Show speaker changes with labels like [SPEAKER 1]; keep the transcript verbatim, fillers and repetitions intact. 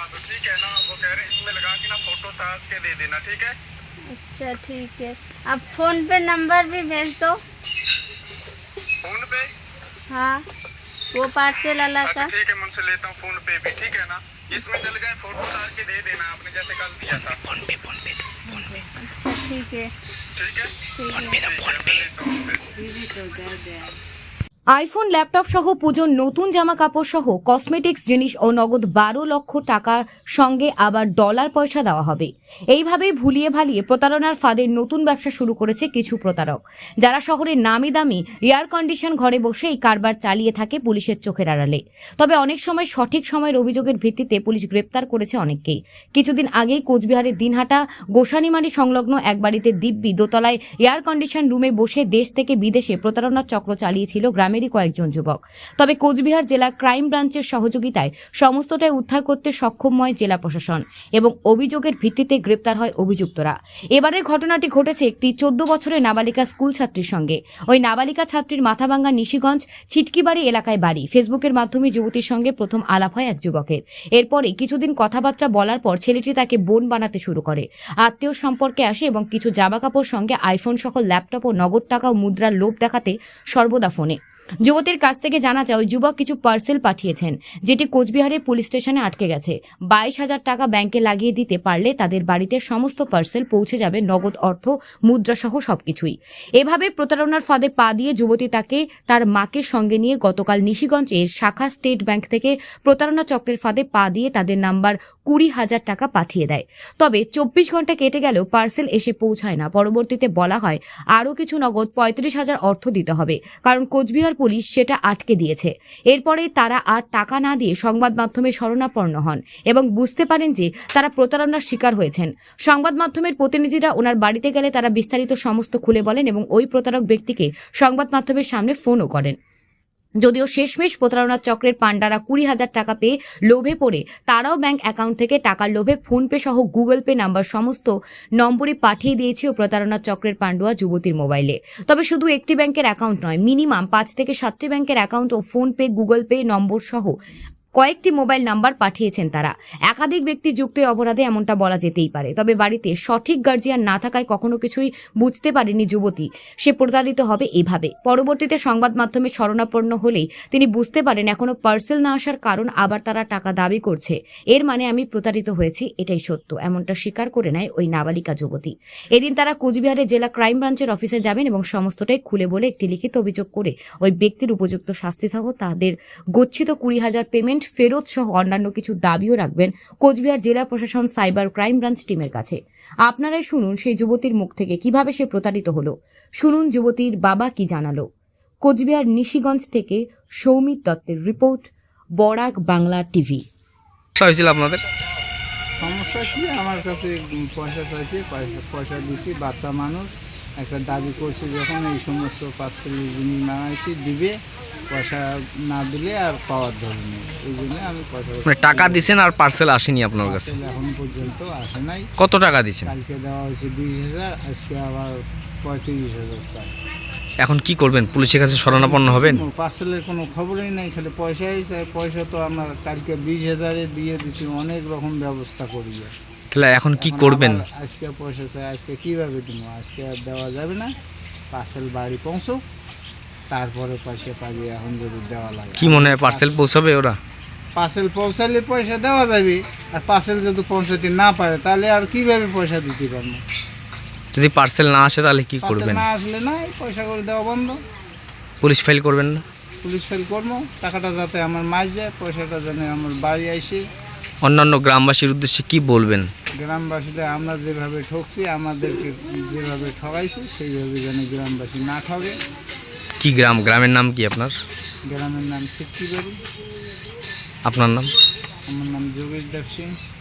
[SPEAKER 1] तो ठीक है ना, वो कह रहे हैं इसमें लगा के ना फोटो ताज के दे देना, ठीक है।
[SPEAKER 2] अच्छा ठीक है, अब फोन पे नंबर भी भेज दो।
[SPEAKER 1] फोन पे?
[SPEAKER 2] हाँ, वो पार्सल वाला
[SPEAKER 1] अच्छा
[SPEAKER 2] का।
[SPEAKER 1] ठीक है, मैं उनसे लेता हूँ फोन पे भी, ठीक है ना। इसमें डल गए फोटो ताज के दे देना आपने जैसे कल दिया था। फोन पे फोन पे फोन पे
[SPEAKER 2] अच्छा ठीक है
[SPEAKER 1] ठीक है,
[SPEAKER 2] ठीक है।
[SPEAKER 1] फोन पे लेता हूँ उनसे।
[SPEAKER 3] আইফোন ল্যাপটপ সহ পুজোর নতুন জামা কাপড় সহ কসমেটিক্স জিনিস ও নগদ বারো লক্ষ টাকার সঙ্গে আবার ডলার পয়সা দেওয়া হবে। এইভাবেই ভুলিয়ে ভালিয়ে প্রতারণার ফাঁদের নতুন ব্যবসা শুরু করেছে কিছু প্রতারক, যারা শহরের নামি দামি এয়ার কন্ডিশন ঘরে বসে এই কারবার চালিয়ে থাকে পুলিশের চোখের আড়ালে। তবে অনেক সময় সঠিক সময়ের অভিযোগের ভিত্তিতে পুলিশ গ্রেপ্তার করেছে অনেককেই। কিছুদিন আগেই কোচবিহারের দিনহাটা গোসানিমারি সংলগ্ন এক বাড়িতে দিব্যি দোতলায় এয়ার কন্ডিশন রুমে বসে দেশ থেকে বিদেশে প্রতারণার চক্র চালিয়েছিল গ্রামে কয়েকজন যুবক। তবে কোচবিহার জেলা ক্রাইম ব্রাঞ্চের সহযোগিতায় সমস্তটাই উদ্ধার করতে সক্ষম হয় জেলা প্রশাসন এবং অভিযোগের ভিত্তিতে গ্রেপ্তার হয় অভিযুক্তরা। এবারের ঘটনাটি ঘটেছে একটি চোদ্দ বছরের নাবালিকা স্কুল ছাত্রীর সঙ্গে। ওই নাবালিকা ছাত্রীর মাথাভাঙ্গা নিশিগঞ্জ ছিটকিবাড়ি এলাকায় বাড়ি। ফেসবুকের মাধ্যমে যুবতীর সঙ্গে প্রথম আলাপ হয় এক যুবকের। এরপরে কিছুদিন কথাবার্তা বলার পর ছেলেটি তাকে বোন বানাতে শুরু করে। আত্মীয় সম্পর্কে আসে এবং কিছু জামাকাপড় সঙ্গে আইফোন সহ ল্যাপটপ ও নগদ টাকা ও মুদ্রার লোভ দেখাতে সর্বদা ফোনে। যুবতীর কাছ থেকে জানা যায় ওই যুবক কিছু পার্সেল পাঠিয়েছেন, যেটি কোচবিহারের পুলিশ স্টেশনে আটকে গেছে। বাইশ হাজার টাকা ব্যাংকে লাগিয়ে দিতে পারলে তাদের বাড়িতে সমস্ত পার্সেল পৌঁছে যাবে, নগদ অর্থ মুদ্রা সহ সবকিছুই। এভাবে প্রতারণার ফাঁদে পা দিয়ে যুবতী তাকে তার মাকে সঙ্গে নিয়ে গতকাল নিশিগঞ্জের শাখা স্টেট ব্যাংক থেকে প্রতারণা চক্রের ফাঁদে পা দিয়ে তাদের নাম্বার কুড়ি হাজার টাকা পাঠিয়ে দেয়। তবে চব্বিশ ঘন্টা কেটে গেলেও পার্সেল এসে পৌঁছায় না। পরবর্তীতে বলা হয় আরও কিছু নগদ পঁয়ত্রিশ হাজার অর্থ দিতে হবে, কারণ কোচবিহার পুলিশ সেটা আটকে দিয়েছে। এরপরে তারা আর টাকা না দিয়ে সংবাদ মাধ্যমে শরণাপন্ন হন এবং বুঝতে পারেন যে তারা প্রতারণার শিকার হয়েছেন। সংবাদ মাধ্যমের প্রতিনিধিরা ওনার বাড়িতে গেলে তারা বিস্তারিত সমস্ত খুলে বলেন এবং ওই প্রতারক ব্যক্তিকে সংবাদ মাধ্যমের সামনে ফোনও করেন। যদিও শেষমেশ প্রতারণার চক্রের পান্ডারা কুড়ি হাজার টাকা পেয়ে লোভে পড়ে তারাও ব্যাংক অ্যাকাউন্ট থেকে টাকার লোভে ফোনপে সহ গুগল পে নাম্বার সমস্ত নম্বরে পাঠিয়ে দিয়েছে ও প্রতারণার চক্রের পান্ডুয়া যুবতীর মোবাইলে। তবে শুধু একটি ব্যাংকের অ্যাকাউন্ট নয়, মিনিমাম পাঁচ থেকে সাতটি ব্যাংকের অ্যাকাউন্ট ও ফোনপে গুগল পে নম্বর সহ কয়েকটি মোবাইল নাম্বার পাঠিয়েছেন তারা। একাধিক ব্যক্তি যুক্ত অপরাধে এমনটা বলা যেতেই পারে। তবে বাড়িতে সঠিক গার্জিয়ান না থাকায় কখনো কিছুই বুঝতে পারেনি যুবতী সে প্রতারিত হবে এভাবে। পরবর্তীতে সংবাদ মাধ্যমে শরণাপন্ন হলেই তিনি বুঝতে পারেন এখনো পার্সেল না আসার কারণ আবার তারা টাকা দাবি করছে। এর মানে আমি প্রতারিত হয়েছি, এটাই সত্য, এমনটা স্বীকার করে নেয় ওই নাবালিকা যুবতী। এদিন তারা কোচবিহারের জেলা ক্রাইম ব্রাঞ্চের অফিসে যাবেন এবং সমস্তটাই খুলে বলে একটি লিখিত অভিযোগ করে ওই ব্যক্তির উপযুক্ত শাস্তি সহ তাদের গচ্ছিত কুড়ি হাজার পেমেন্ট ফেরত সহ অন্যান্য কিছু দাবিও রাখবেন কোচবিহার জেলা প্রশাসন সাইবার ক্রাইম ব্রাঞ্চ টিমের কাছে। আপনারাই শুনুন সেই যুবতীর মুখ থেকে কিভাবে সে প্রতারিত হলো। শুনুন যুবতীর বাবা কি জানালো। কোচবিহার নিশিগঞ্জ থেকে সৌমিত দত্তের রিপোর্ট, বরাক বাংলা টিভি।
[SPEAKER 4] হয়েছিল আপনাদের
[SPEAKER 5] সমস্যা কি, আমার কাছে পয়সা চাইছে, পয়সা পয়সা দিছি, বাচ্চা মানুষ একটা দাবি করছে যখন এই সমস্ত পার্সেলের জিনিস নামাইছি দিবে, পয়সা না দিলে আর পাওয়ার ধরেনি, এই জন্য আমি পয়সা
[SPEAKER 4] মানে টাকা দিছেন আর পার্সেল আসেনি আপনার কাছে?
[SPEAKER 5] এখন পর্যন্ত আসে নাই।
[SPEAKER 4] কত টাকা দিছেন?
[SPEAKER 5] কালকে দেওয়া হয়েছে বিশ হাজার, আজকে আবার পঁয়ত্রিশ হাজার চাই।
[SPEAKER 4] এখন কি করবেন? পুলিশের কাছে শরণাপন্ন হবেন?
[SPEAKER 5] পার্সেলের কোনো খবরই নাই, খালি পয়সাই চাই। পয়সা তো আমরা কালকে বিশ হাজারে দিয়ে দিছি, অনেক রকম ব্যবস্থা করি।
[SPEAKER 4] তাহলে এখন কি করবেন?
[SPEAKER 5] আজকে পয়সা চাই, আজকে কিভাবে দিব? আজকে আর দেওয়া যাবে না, পার্সেল বাড়ি পৌঁছুক তারপরে পয়সা পাবি। এখন যদি দেওয়া লাগে
[SPEAKER 4] কি মনে হয় পার্সেল পৌঁছাবে ওরা?
[SPEAKER 5] পার্সেল পৌঁছালে পয়সা দেওয়া যাবে, আর পার্সেল যদি পৌঁছাতে না পারে তাহলে আর কিভাবে পয়সা দিতে পারবো?
[SPEAKER 4] যদি পার্সেল না আসে তাহলে কি করবেন?
[SPEAKER 5] না আসলে না, পয়সা করে দেওয়া বন্ধ।
[SPEAKER 4] পুলিশ ফাইল করবেন না?
[SPEAKER 5] পুলিশ ফাইল করবো, টাকাটা যাতে আমার মাছ যায়, পয়সাটা যেন আমার বাড়ি আসে।
[SPEAKER 4] অন্যান্য গ্রামবাসীর উদ্দেশ্যে কি বলবেন?
[SPEAKER 5] গ্রামবাসীরা আমরা যেভাবে ঠকছি, আমাদেরকে যেভাবে ঠকাইছি সেইভাবে যেন গ্রামবাসী না ঠকে।
[SPEAKER 4] কি গ্রাম? গ্রামের নাম কি আপনার?
[SPEAKER 5] গ্রামের নাম ছিটকিবাড়ি।
[SPEAKER 4] আপনার নাম?
[SPEAKER 5] আমার নাম যোগেশ দেব সিং।